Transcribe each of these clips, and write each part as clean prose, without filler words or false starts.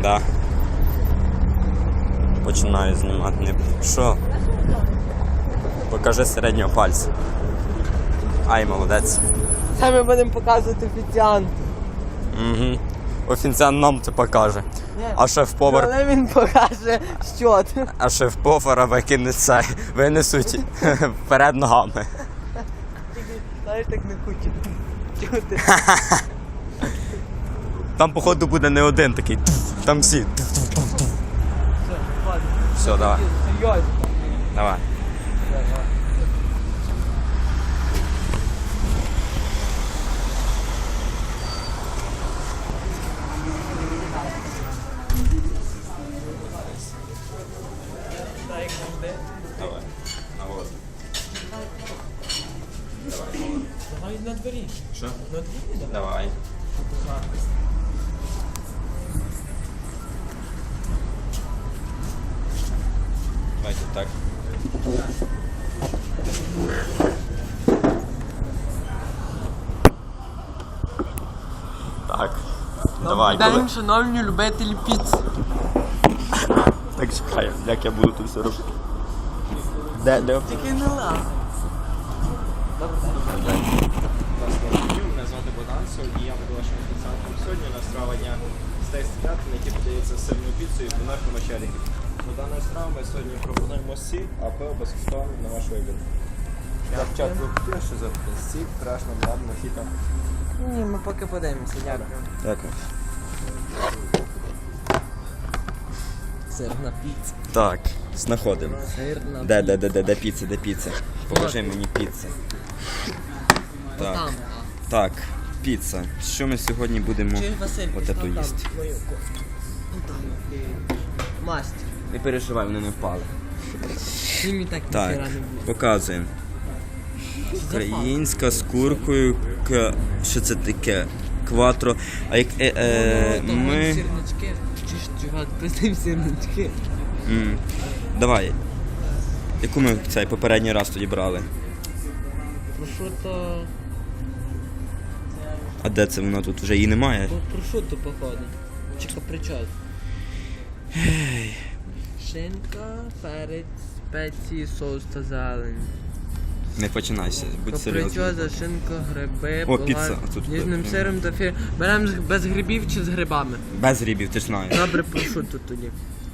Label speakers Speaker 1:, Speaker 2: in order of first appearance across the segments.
Speaker 1: Да. Починаю знімати. Що? Покажи середнього пальця. Ай, молодець.
Speaker 2: Це ми будемо показувати офіціанту.
Speaker 1: Угу. Офіціант нам це покаже. А шеф-повар...
Speaker 2: Але він покаже що.
Speaker 1: А шеф-повара винесуть вперед ногами.
Speaker 2: Знаєш, так не хочу чути.
Speaker 1: Там, походу, буде не один такий. Там всі. Все, давай.
Speaker 2: Серйозно.
Speaker 1: Давай. Давай. Навоз.
Speaker 2: Давай на дворі.
Speaker 1: Що?
Speaker 2: На дворі,
Speaker 1: Давай. Давайте так. Так. Давай.
Speaker 2: День, шановні любителі піци.
Speaker 1: Так чекай, як я буду тут все робити. Де?
Speaker 2: Тільки не лав.
Speaker 3: Мене звати Богдан, і я буду вашим офіціантом. Сьогодні у нас страва дня стейк стріляти, на який подається з сирною піцею і бунарком очеріки. До даної страви ми сьогодні пропонуємо сік, а пиво безкоштовно на ваш вибір. Спочатку що за сік, крашна, ладно, хіта.
Speaker 2: Ні, ми поки подивимося, дякую.
Speaker 1: Дякую.
Speaker 2: Сирна піца.
Speaker 1: Так, знаходимо.
Speaker 2: Сирна
Speaker 1: Де піца? Положи мені піцу. Так.
Speaker 2: Там.
Speaker 1: Так, піца. Що ми сьогодні будемо
Speaker 2: Чуєш, Василь,
Speaker 1: отету їсти?
Speaker 2: мою кофту. Масть.
Speaker 1: Не переживай, вони не впали.
Speaker 2: Німі так
Speaker 1: Так,
Speaker 2: ніхера не буде.
Speaker 1: показуємо. Українська з куркою, що це таке? Кватро. А як ми...
Speaker 2: Сирнички. Чи чувак, пиздим сирнички.
Speaker 1: Давай. Яку ми цей попередній раз тоді брали?
Speaker 2: Прошуто...
Speaker 1: А де це вона тут? Вже її немає?
Speaker 2: Прошуто, походу. Чи капричос. Шинка, перець, спеції, соус та зелень.
Speaker 1: Не починайся, будь серйозним.
Speaker 2: Капричоза, шинка, гриби,
Speaker 1: О, піца. А тут
Speaker 2: ніжним
Speaker 1: так,
Speaker 2: сиром та фір. Беремо без грибів чи з грибами?
Speaker 1: Без грибів, ти ж знаєш.
Speaker 2: Добре, прошуто тоді.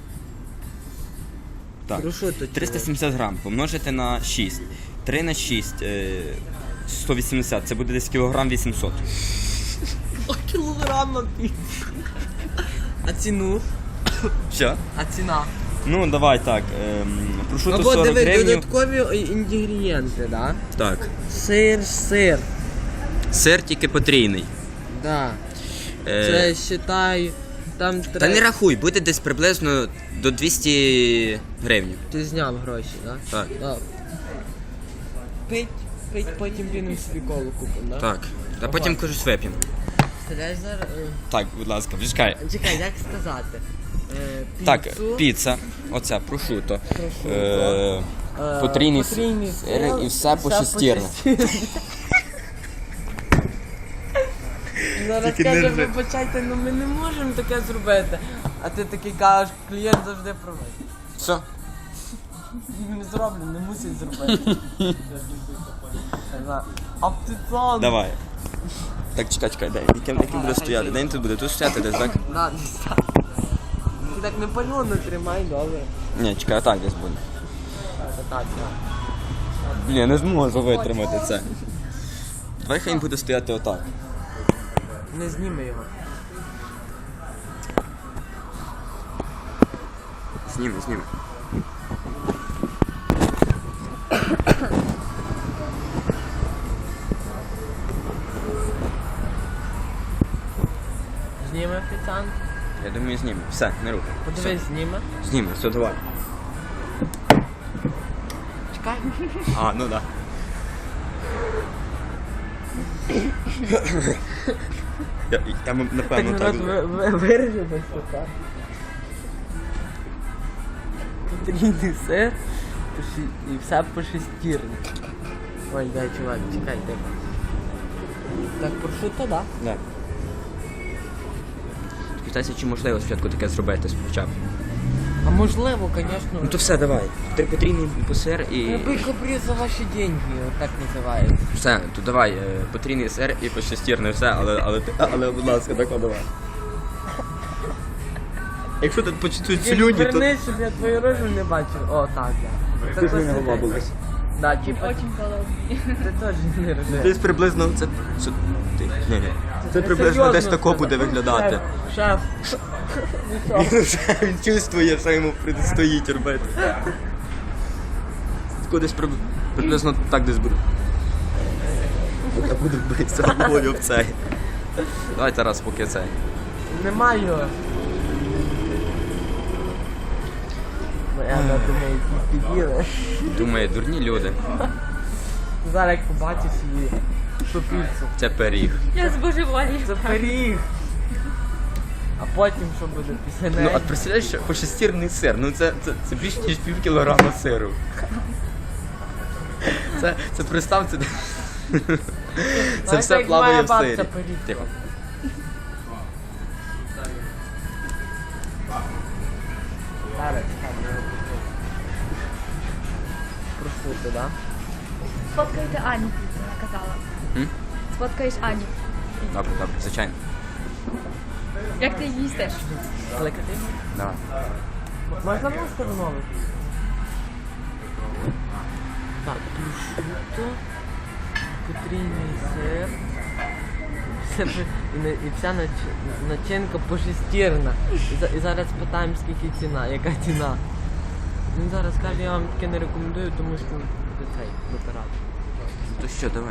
Speaker 1: Так.
Speaker 2: Прошуто.
Speaker 1: 370 грам помножити на 6. 3 на 6. 180. Це буде десь кілограм 800.
Speaker 2: О, кілограм піци. А ціну?
Speaker 1: Що?
Speaker 2: А ціна?
Speaker 1: Ну, давай так. Прошуто
Speaker 2: Або
Speaker 1: 40
Speaker 2: диви,
Speaker 1: гривень.
Speaker 2: додаткові інгредієнти, да?
Speaker 1: Так.
Speaker 2: Сир.
Speaker 1: Сир тільки потрійний.
Speaker 2: Да.
Speaker 1: Е,
Speaker 2: Це, считай, там
Speaker 1: Та не
Speaker 2: треба...
Speaker 1: рахуй, буде десь приблизно до 200 гривень.
Speaker 2: Ти зняв гроші, да?
Speaker 1: Так.
Speaker 2: Да. Пить, потім підемо собі колу купимо, да?
Speaker 1: Так. Та потім кажуть вип'ємо.
Speaker 2: Стріляєш зараз?
Speaker 1: Так, будь ласка, почекай.
Speaker 2: Чекай, як сказати?
Speaker 1: Так,
Speaker 2: Піцу,
Speaker 1: піца. Оця, прошуто.
Speaker 2: Прошуто.
Speaker 1: Потрійний
Speaker 2: потрійний
Speaker 1: сир і все пошестірне.
Speaker 2: Зараз
Speaker 1: Тільки
Speaker 2: каже,
Speaker 1: не
Speaker 2: вибачайте, ну ми не можемо таке зробити. А ти такий кажеш, клієнт завжди правий.
Speaker 1: Все?
Speaker 2: Не зроблю, не мусить зробити. А птицон.
Speaker 1: Давай. Так, чекай, дай. Яким буде стояти? Де він тут буде? Тут стояти десь, так?
Speaker 2: Да, ти так не пальоно тримай, добре.
Speaker 1: Ні, чекай, так десь буде.
Speaker 2: Так,
Speaker 1: Блін, я не зможу витримати це. Давай хай він буде стояти отак.
Speaker 2: не зніми його.
Speaker 1: Зніми.
Speaker 2: Зніме офіціант.
Speaker 1: Я думаю, зніме. Все, не рухай.
Speaker 2: Подивись, зніме.
Speaker 1: Зніме, все, давай.
Speaker 2: Чекай.
Speaker 1: А, ну да. Я напевно
Speaker 2: Так
Speaker 1: так.
Speaker 2: народ виріже без кота. Потрійний сир і все по шестірні. Ой, дай, чувак, чекай, тихо. Так, прошуто, да?
Speaker 1: Да. Питайся, чи можливо спочатку таке зробити спочатку.
Speaker 2: А можливо, звісно.
Speaker 1: Ну то все, давай. Потрійний сир і...
Speaker 2: Любий каприз за ваші деньги, так називається.
Speaker 1: Все, то давай, потрійний сир і пощастірне все, але будь ласка, так давай. Якщо тут почують слюні, то...
Speaker 2: Вернись, щоб я твою рожу не бачив. О, так, да.
Speaker 1: Ти ж мене голова болить.
Speaker 2: Да, типа,
Speaker 4: Очень холодный.
Speaker 2: ти теж не рожеш.
Speaker 1: Десь приблизно це... Ні. Це приблизно десь тако буде виглядати.
Speaker 2: Шеф.
Speaker 1: Він чувствує, що йому предстоїть робити. Кудись приблизно так десь буде. Я буду битися головою в цей. Давай Тарас, поки цей.
Speaker 2: Немає його. Я думаю, піділи.
Speaker 1: Думає, дурні люди.
Speaker 2: Зараз як побачиш її, що піцу.
Speaker 1: Це пиріг.
Speaker 4: Я збожеволію.
Speaker 2: Це пиріг. А потім що буде після
Speaker 1: Ну,
Speaker 2: неї?
Speaker 1: а представляєш, що пошестірний сир, ну це більше ніж пів кілограма сиру. Це представ, це
Speaker 2: Знаєте,
Speaker 1: все
Speaker 2: як
Speaker 1: плаває
Speaker 2: моя
Speaker 1: в
Speaker 2: бабця
Speaker 1: сирі.
Speaker 2: пиріг
Speaker 1: Тихо.
Speaker 2: робить. Зараз, там, його покажу. Прошути, да?
Speaker 4: Сфоткайте Аню, вона казала.
Speaker 1: М?
Speaker 4: Сфоткаєш Аню.
Speaker 1: Добре, звичайно.
Speaker 4: Як ти її їстиш?
Speaker 2: Кликати?
Speaker 1: Давай.
Speaker 2: Можна мені встановити? Так, прошуто, потрійний сир. І вся начинка пошестірна. І зараз питаємо, скільки ціна, яка ціна. Він зараз каже, я вам таке не рекомендую, тому що буде цей витирати.
Speaker 1: То що, давай.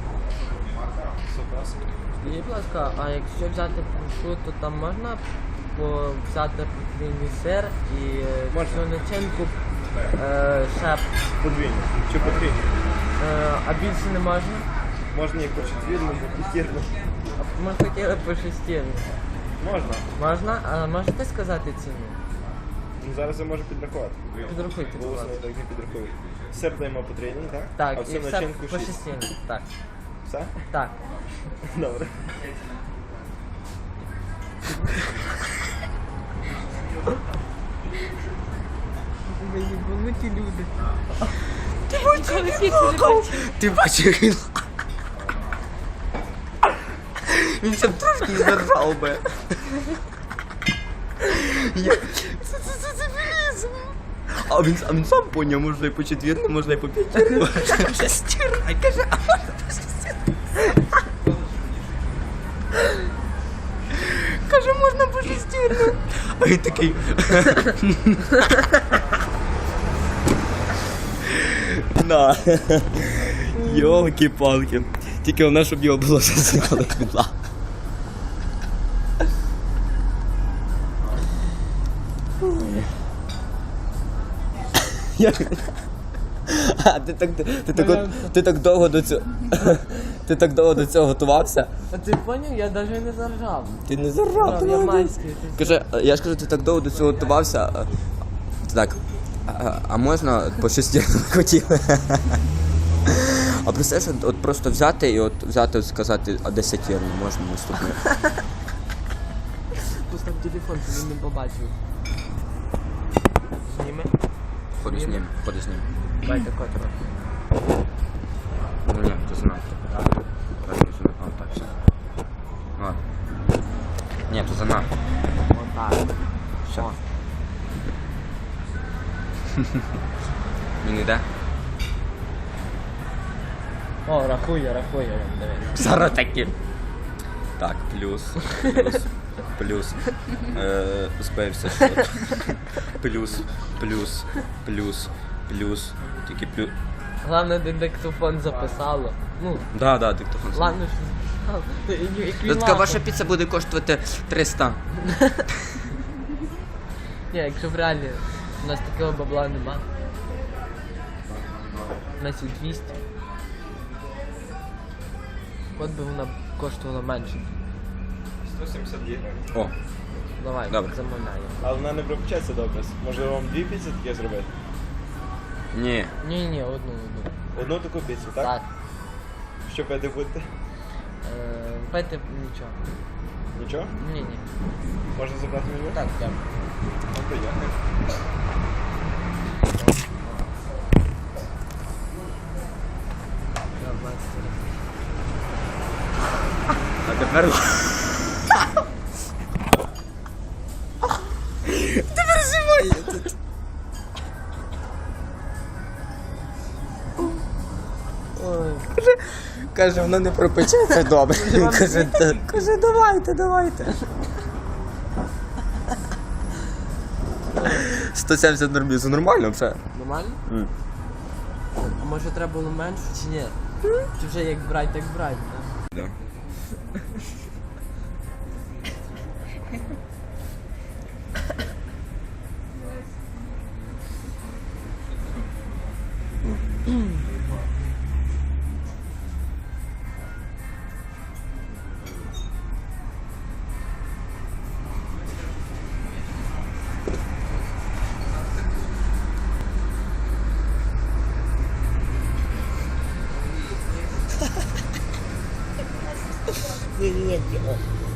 Speaker 2: Скажіть, будь ласка, а якщо взяти прошуто, там можна взяти потрійний сир і цю начинку ще,
Speaker 3: Подвійно. Чи потрійно?
Speaker 2: а більше не можна?
Speaker 3: Можна і по четвірну, і по п'ятірну.
Speaker 2: А ми хотіли по шестірну.
Speaker 3: Можна.
Speaker 2: Можна? А можете сказати ціну?
Speaker 3: Ну, зараз я можу підрахувати.
Speaker 2: Підрахуйте, будь
Speaker 3: Голосно
Speaker 2: ласка.
Speaker 3: я так не підрахую. Сир даємо потрійний, так?
Speaker 2: Так,
Speaker 3: А
Speaker 2: і
Speaker 3: всю
Speaker 2: все
Speaker 3: начинку
Speaker 2: по
Speaker 3: 6.
Speaker 2: шестірну. Так,
Speaker 3: Все?
Speaker 2: так.
Speaker 3: Добре.
Speaker 2: Ви єбануті люди.
Speaker 4: Нічого не бачив.
Speaker 1: Ти бачиш, він ще б трошки не заржав би. Це дебілізм. А він сам поняв, можна і по четвірну, можна і по п'ятірну. Шестірна, каже, а можна по шестірну. Каже, можна по шестірну. А він такий. На. Йолки-палки. Тільки вона, щоб його було засікали квітла. А ти так довго до цього. Ти так довго до цього готувався?
Speaker 2: А ти поняв? Я навіть не заржав.
Speaker 1: Ти не заржав, ти
Speaker 2: Я
Speaker 1: молодець.
Speaker 2: майський.
Speaker 1: Каже, я ж кажу, ти так довго до цього готувався. Так. А можна по шестірну хотіли? А представляєш, от просто взяти і от сказати, а десятірну можна наступне.
Speaker 2: Постав телефон, щоб він не побачив. Зніми.
Speaker 1: Ходу з ним.
Speaker 2: Дайте котро.
Speaker 1: Ну ні, то занадто. Так, то занадто. О, так, все. Ладно. Ні, то занадто.
Speaker 2: Отак.
Speaker 1: Все.
Speaker 2: О.
Speaker 1: Він йде?
Speaker 2: О, рахує, дивись.
Speaker 1: Зараз таки. Так, плюс. Збився що. Плюс. Тільки плюс.
Speaker 2: Головне, де диктофон записало. Ну,
Speaker 1: Да, диктофон.
Speaker 2: ладно, що записало. Як він
Speaker 1: Така
Speaker 2: лапав.
Speaker 1: ваша піца буде коштувати 300.
Speaker 2: Ні, якщо в реалі у нас такого бабла нема. У нас і 200. От би вона коштувала менше.
Speaker 3: 172 гривень.
Speaker 1: О,
Speaker 2: Давай,
Speaker 1: Добре.
Speaker 2: замовляємо.
Speaker 3: Але вона не пропечеться добре. Може вам дві піци таке зробити?
Speaker 1: ні.
Speaker 2: Ні, одну.
Speaker 3: Одну таку піцу, так?
Speaker 2: Так.
Speaker 3: Що пити будете?
Speaker 2: Пити нічого.
Speaker 3: Нічого?
Speaker 2: Ні, ні.
Speaker 3: Можна забрати меню?
Speaker 2: Так, дякую.
Speaker 3: Добре, дякую.
Speaker 1: А тепер... Тепер зимою тут.
Speaker 2: Ой.
Speaker 1: Каже, воно не пропечеться добре. Каже, давайте. 170 нормів, це нормально вже.
Speaker 2: Нормально? А може треба було менше чи ні? Чи вже як брать, так брать, так?
Speaker 1: Да.
Speaker 2: Ні,